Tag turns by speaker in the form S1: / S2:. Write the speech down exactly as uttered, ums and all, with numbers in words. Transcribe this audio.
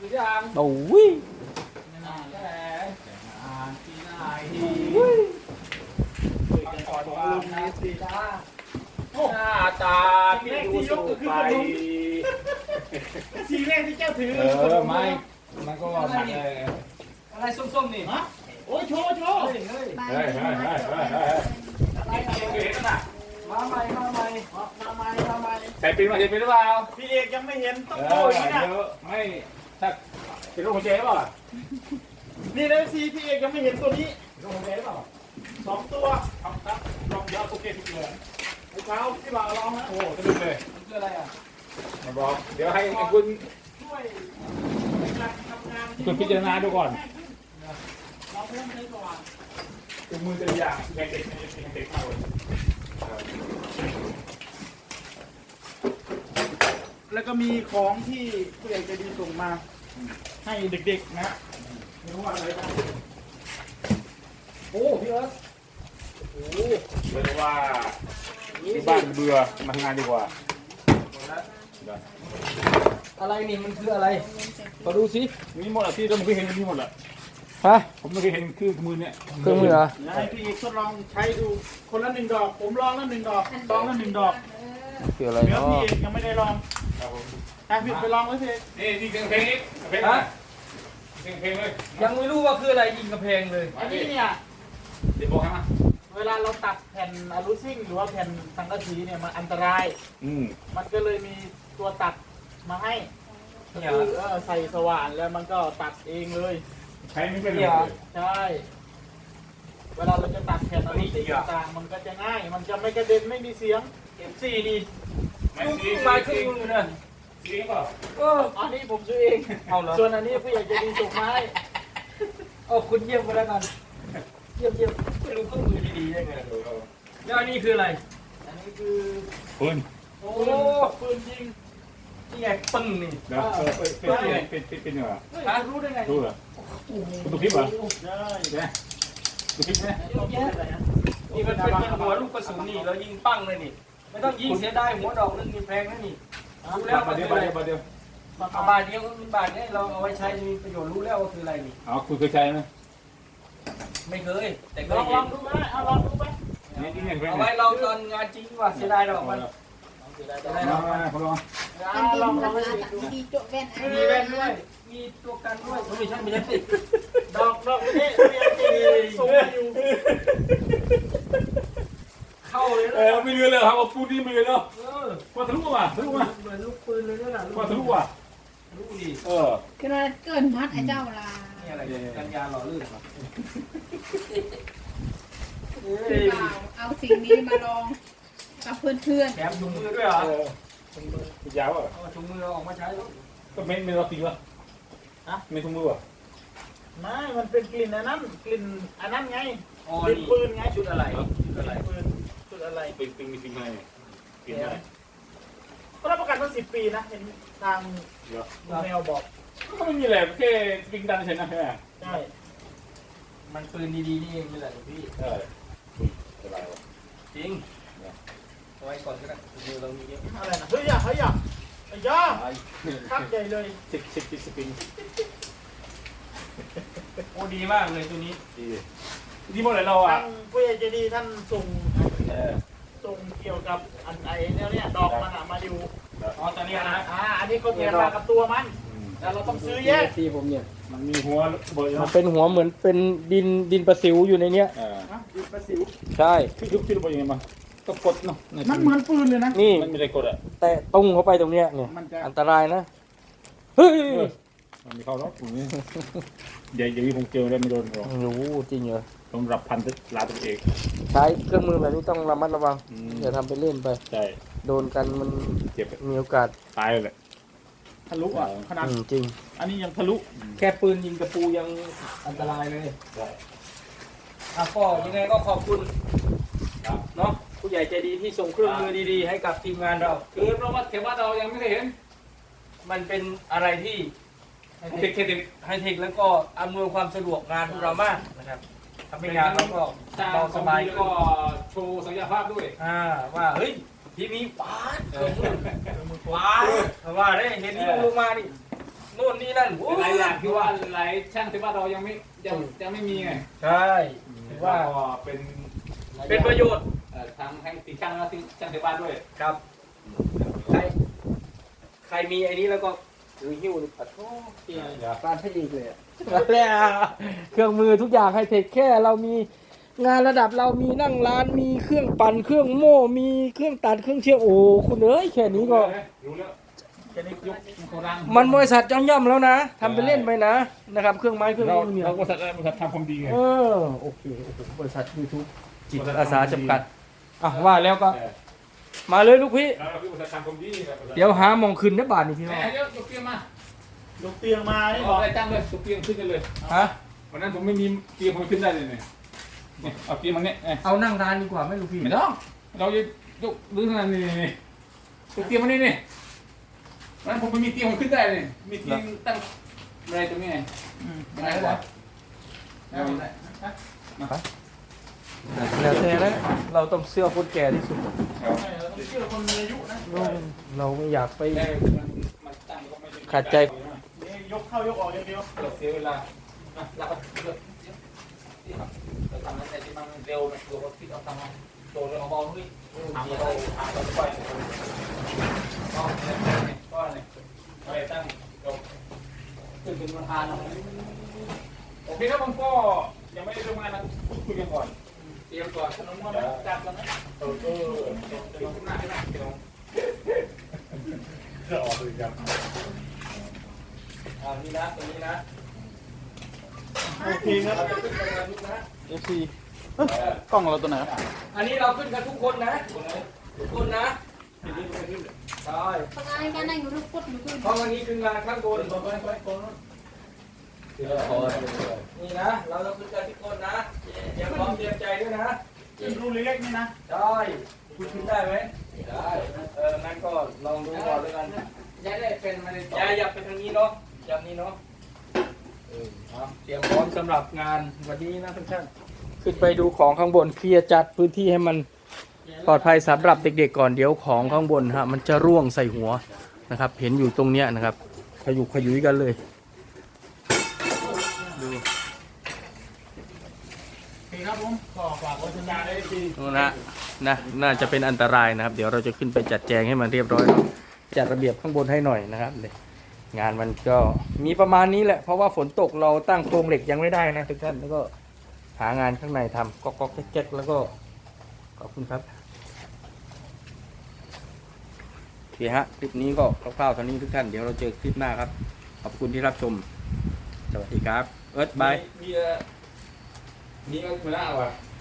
S1: คือยัง
S2: โอ้ย
S1: งานแหละงานที่ไหน
S3: ขอของลุงนี้สิ
S1: จ้าหน้าตาที่ดูสูงไป
S3: สีแรกที่เจ้าถือ
S1: เออไม่มันก็หนักเลย
S2: อะไรส้มๆนี่
S3: ฮะโอ้ยโชว์โชว์
S2: เฮ้ยเฮ้ย
S1: เฮ้ยเฮ้ยเฮ้ยเฮ้ยเฮ้ยเห็นน่ะ
S2: มาใหม่มาใหม่
S3: มาใหม่มาใหม่
S1: ใส่ปีนมาเห็นปีนหรือเปล่า
S3: พี่เอกยังไม่เห็นต้อง
S1: เอ
S3: โช
S1: อ
S3: ว์อีกนะ
S1: เดี๋ยวไม่ถ้าเป็นลูกหัวใจเปล่า
S3: นี่นะสีพี่เอกยังไม่เห็นตัวนี้
S1: ลูกหัวใจเปล่า
S3: สองตัว
S1: ครับครับลองเดี๋ยวโอเคทุกเลย
S3: ไอ้เช้าพี่บ่าวลองนะ
S1: โอ้สนุกเลย
S2: มันคืออะไรอ่ะ
S1: มาบอกเดี๋ยวให้คุณ
S3: ช่วยในการทำงาน
S1: คุณพิจารณาดูก่อน
S3: เราเพิ่มใช้สว่าง
S1: เป็นมือตัวอย่างแข่งเด็กแข่งเด็กมากเลย
S3: แล้วก็มีของที่ผู้ใหญ่ใจดีส่งมา ให้เด็กๆนะไม่รู้ว่าอะไรบ้าง
S2: โอ้พี่เอิร์ธ
S1: โอ้เรียกว่าที่บ้านเบื่อมาทำงานดีกว่า
S2: อะไรนี่มันคืออะไรมาดูสิ
S1: มีหมดอ่ะที่เราไม่เคยเห็นมีหมดอ่ะ
S2: ฮะ
S1: ผมไม่เคยเห็นคือมือเนี่ย
S2: เครื่องมือเหรอ
S3: ให้พี่เอกทดลองใช้ดูคนละหนึ่งดอก ผมลองแล้วหนึ่งดอกลองแล้วหนึ่งดอก
S2: คืออะไร
S3: เดี๋ยว
S2: เนาะ
S3: พี่เอกยังไม่ได้ลอง
S1: ครับผม
S3: ให้พี่ไปลองไว้สิ
S1: นี่นี่เพลงเพลงนี้เพลงนะเพลงเพลงเลย
S2: ยังไม่รู้ว่าคืออะไรยิงกระเพงเลย
S3: อันนี้เนี่ย
S1: เดี๋ยวบอกให้มา
S3: เวลาเราตัดแผ่นอะลูซิ่งหรือว่าแผ่นสังกะสีเนี่ยมันอันตราย
S1: อืม
S3: มันก็เลยมีตัวตัดมาให้
S2: เนี่ย
S3: คือเออใส่สว่านแล้วมันก็ตัดเองเลย
S1: ใช้ไม่เป็นเลย
S3: ใช่ เวลาเราจะตัดแผ่นอะลูซิ่งต่างๆมันก็จะง่าย มันจะไม่กระเด็นไม่มีเสียง
S2: เอ็มซีนี่
S1: ไม่
S2: ลูก
S1: ดี
S2: มาครึ่งมือนะ
S1: ดีเปล่า
S2: เออ
S3: อันนี้ผมซื้อเอง
S2: เอาเหรอ
S3: ส่วนอันนี้ผู้ใหญ่ใจะดีส่งมาให้
S2: เอาคุณเยี่ยมไปแล้วกันเยี่ยมเยี่ยมไม่รู้เครื่องมือดีๆได้ไงแล้วอันนี้คืออะไร
S3: อันนี้คือ
S1: ปืน
S3: โอ้ปืนยิง
S2: นี่ไงปึ้งนี่
S1: เดี๋ยวเป็นเป็นเป็นเป็นเป็นเหรอ
S3: เฮ้ยคุณรู้ได้ไง
S1: ดูเหรอคุณดูคลิปเหรอ
S3: ใช่
S1: ใช่ไหมดูคลิปไหม
S3: ต้องรู้ได้ไงฮะ
S2: นี่มันเป็นหัวลูกกระสุนนี่เรายิงปั้งเลยนี่ไม่ต้องยิงเสียดายหัวดอกนึงนี่แพงนะนี่รู้แล้ว
S1: บา
S2: มัน
S1: เดี
S2: คื
S1: ยว
S2: ออะไร
S1: บาเดียวบาเดียว
S2: เอาบาทเดียวก็เป็นบาทนี้เราเอาไว้ใช้มีประโยชน์รู้แล้วว่าคืออะไรนี่
S1: อ๋อคุณเคยใช้ไหม
S2: ไม่เคยแต่เค
S3: ล
S2: ย
S3: องล
S2: เห็
S3: อน งดูไหมเอาลองดูไหม
S1: นี่นี่เนี่ย
S2: เอาไว้ลองตอนงานจริงว่าเสียดายดอกมันเสียดายดอก
S1: มามามาลอง
S3: อ่าลองลองให้ดู
S4: ดีโจ๊ะแว่นอัน
S2: มี
S4: นี้
S2: แว่นด้วยมีตัวกันด้วยไม่ใช่ไม่ใช่
S3: ดอกดอกนี่เรียนตีส่งมาอยู่
S2: เข้าเลย
S1: เอ
S2: นะ
S1: อไม่เรือเลยครับเอาปูนี่ไม่เรือเนาะ
S2: เออ
S1: ว่าทะลุว่ะทะลุว่ะ
S2: เหมือนลูกปืนเลยนะ
S1: ว่าทะลุว่ะ
S2: ลูกดี
S1: เออ
S4: คือว่าเกินพัดไอ้เจ้าลา
S2: นี่อะไรกันยาหล่อลื่นเหรอ
S4: เปล่าเอาสิ่งนี้มาลองกับเพื่อน
S2: แถมถุงมือด้วยเหรอ
S1: เออมันยาวอ่ะ
S2: เอาถุงมือออกมาใช้แล้ว
S1: ก็ไม่ไม่เราตีวะอะไม่ทุ่มมือวะ
S3: ไม่ มันเป็นกลิ่นอันนั้นกลิ่นอันนั้นไง
S2: อ๋อก
S3: ลิ่น
S2: นี่
S3: ปืนไง
S2: ชุดอะไรชุดอะไร
S3: ปืนชุดอะไร
S1: เป็นเป็นมีสิ่งอะไรกินอะไร
S3: ก็รับประกันว่าสิบปีนะ เห็นทาง
S1: เยอะ
S3: ลุงแมวบอก
S1: ก็ไม่มีอะไรแค่ปิงดันเฉยนะใช่ไหม
S3: ใช่
S2: มันปืนดีๆนี่เองนี่แหละพี่
S1: ใช่สบายวะ
S2: จริงเอาไว้ก่อนก็ได้ถุงมือเรามีเยอะ
S3: อะไรนะ เฮ้ยอย่าเฮ้ยอย่าไอ้ย่าคักใหญ่เลย
S1: ชิคชิคชิคสปริง
S2: โอ้ดีมากเลยตัวนี้
S1: ดีดีหมดเลยเราอ่ะ
S3: ทางผู้ใหญ่ใจดีท่านส่ง
S1: เออ
S3: ส่งเกี่ยวกับอันไอ้เนี่ยเนี่ยดอกมันอะมาอยู่
S2: อ๋อตอนนี้นะ
S3: อ่า อันนี้ก็แถมมากับตัวมัน แต่เราต้องซื้อแยก
S2: ที่ผมเนี่ย
S1: มันมีหัวเบอร์
S2: มัน
S1: เนาะ
S2: เป็นหัวเหมือนเป็นดินดินประสิวอยู่ในเนี้ย
S1: เออ
S3: นะดินประสิว
S2: ใช่
S1: คือยุคที่เราบอกยังไงมาก็กดเนาะ
S3: มันเหมือนปืนเลยนะ
S2: นี่
S1: มันไม่ได้กดอ่ะ
S2: แตะตุ้งเข้าไปตรงเนี้ยเนี่ย
S3: มันจะ
S2: อันตรายนะเฮ้ย
S1: มันมีเข้าล็อกตรงนี้เดี๋ยวเดี๋ยวผมเจอแล้วไม่โดนหรอก
S2: โอ้โหจริงเหรอ
S1: สำหรับพันธุ์ลาตัวเอง
S2: ใช้เครื่องมือแบบนี้ต้องระมัดระวัง
S1: อืม
S2: อย่าทำไปเล่นไป
S1: ใช่
S2: โดนกันมัน
S1: เจ็บ
S2: มีโอกาส
S1: ตายเลยแหละ
S3: ทะลุอ่ะ ขนาด
S2: อืมจริง
S3: อันนี้ยังทะลุ
S2: แค่ปืนยิงกระปูยังอันตรายเลย
S1: ใช่
S2: อ่ะก็ยังไงก็ขอบคุณ
S1: ครับ
S2: เนาะผู้ใหญ่ใจดีที่ส่งเครื่องมือดีๆ ให้กับทีมงานเรา
S1: คือเพราะว่าเทวะเรายังไม่เคยเห็น
S2: มันเป็นอะไรที่
S1: เทคเทค
S2: ไฮเทคแล้วก็อำนวยความสะดวกงานพวกเรามากนะครับทำให้งานเราก็
S1: สร้าง
S2: เรา
S1: ส
S2: ส
S1: บา
S2: บาย ย
S1: แล้ว
S2: ขึ้
S1: ก็
S2: น
S1: โชว์ศักยภาพด้วย
S2: อ่าว่าเฮ้ยทีนี้ป๊าดเครื่องมือป๊าดเพราะว่าได้เห็นที่ลงมานี่โน่นนี่นั่นโอ้
S1: หลายอย่างที่ว่าหลายช่างที่ว่าเรายังไม่ยังยังไม่มีไง
S2: ใช่ถือว่า
S1: ก็เป็น
S2: เป็นประโยชน์
S1: เอ่อทั้งให้ตีช่างแล้วตีช่างที่บ้านด้วย
S2: ครับใครใครมีไอ้นี้แล้วก็ถือหิ้วปัดโอ้ยการให้อีกเลยแล้วเครื่องมือทุกอย่างไฮเทคแค่เรามีงานระดับเรามีนั่งร้านมีเครื่องปั่นเครื่องโม่มีเครื่องตัดเครื่องเชื่อมโอ้คุณเอ้ยแค่นี้ก็
S1: รู้แล้ว
S3: แค่นี้
S1: ยกโครัง
S2: มันบริษัทย่อมๆแล้วนะทำไปเล่นไปนะนะครับเครื่องไม้เครื่อง
S1: เรา
S2: มือเนี่ย
S1: เราบริษัทอะไรบริษัททำความดีไง
S2: เออโอเคโอ้โหบริษัทยูทูบจิตอาสาจำกัดอ่ะว่าแล้วก็
S1: เออ
S2: มาเลยลูกพี่
S1: เราคือบริษัททำความดีครับ
S2: เดี๋ยวหามองคืนนะบาทนี่พี่น้อง
S1: แหมเดี๋ยวยกเตียงมาย
S3: กเตียงมานี่
S1: นี่
S3: บบ อ
S1: อก กได้ตั้งเลยยกเตียงขึ้นกันเลย
S2: ฮะ
S1: วันนั้นผมไม่มีเตียงผมขึ้นได้เลยเนี่ยเนี่ยเอาเตียงมาเนี่ยเอ้ย
S2: เอานั่งร้านดีกว่าไหม่ลูกพี่
S1: ไม่ต้องเราจะยกดึงขนาดนี้นี่ยกเตียงมานี่นี่วันนั้นผมไม่มีเตียงผมขึ้นได้เลยมีเตียงตั้งอะไรตรงนี้ไง
S3: อืม
S1: ไม่ได้กว่า
S3: ได้ได้ได้
S2: แล้วแต่นะเราต้องเสื้อคนแก่ที่สุด
S3: เราต้องเชื่อคนมีอายุนะ
S2: เราไม่อยากไป
S1: ได้มันมันตั้งก็ไม่ได้
S2: ขัดใจ
S3: นี่ยกเข้ายกออกอย่างเดียว
S1: เราเสียเวลาอ่ะเราก็เลือกเราทำอะไรที่มันเร็วมันตัวก็คิดเอาทำเอาโดนเอาเบาๆนี่ทำเราทำเราไปก็เนี่ยก็เนี่ยอะไรตั้งยกขึ้นเป็นประธานเอาโอเคครับผมก็ยังไม่ได้ทำงานนะพูดคุยกันก่อนเตรียมก่อนขนมมันจัดกันนะเออเออเดี๋ยวเดี๋ยวหน้าให้หน้าเดี๋ยวจะออกเลยครับ
S2: อ่านี่นะตรงนี้นะ
S3: โอเคครับ
S2: เราจะขึ้นกันนะลูกนะ
S3: เอฟซีกล้องเราตัวไหนครับ
S2: อันนี้เราขึ้นกันทุกคนนะทุกคนนะใช่
S4: ปากกาการนั่งอยู่รูปกดอยู่ขึ้น
S2: เพราะวันนี้คืองานข้างบนนี่นะเราต้องขึ้นกันทุกคนนะเตรียมพร้อมเตรียมใจด้วยนะ
S3: รูเล็กๆนี่นะ
S2: ได้คุณขึ้นได้ไหมได้เอองั้นก็ลองดูก่อนแล้วกัน
S1: ย้ายได้เป็นมาในต่อ
S2: อย่าอย่าไปทางนี้เนาะอย่างนี้เนาะเออเอาเตรียมพร้อมสำหรับงานวันนี้นะทุกท่านขึ้นไปดูของข้างบนเคลียร์จัดพื้นที่ให้มันปลอดภัยสำหรับเด็กๆก่อนเดี๋ยวของข้างบนฮะมันจะร่วงใส่หัวนะครับ เห็นอยู่ตรงเนี้ยนะครับขยุกขยุยกันเลยดู
S3: โอเคครับผมก็ฝากไว้สัญญาณได้ที
S2: นู่นนะนะน่าจะเป็นอันตรายนะครับ เดี๋ยวเราจะขึ้นไปจัดแจงให้มันเรียบร้อยแล้วจัดระเบียบข้างบนให้หน่อยนะครับเลยงานมันก็มีประมาณนี้แหละเพราะว่าฝนตกเราตั้งโครงเหล็กยังไม่ได้นะทุกท่านแล้วก็หางานข้างในทำก๊อกๆแก๊กๆแล้วก็ขอบคุณครับโอเคฮะคลิปนี้ก็คร่าวๆเท่านี้ทุกท่านเดี๋ยวเราเจอคลิปหน้าครับขอบคุณที่รับชมสวัสดีครับเอิร์ธบาย
S1: มีเอ่อมีเงินมาแล้วอ่ะ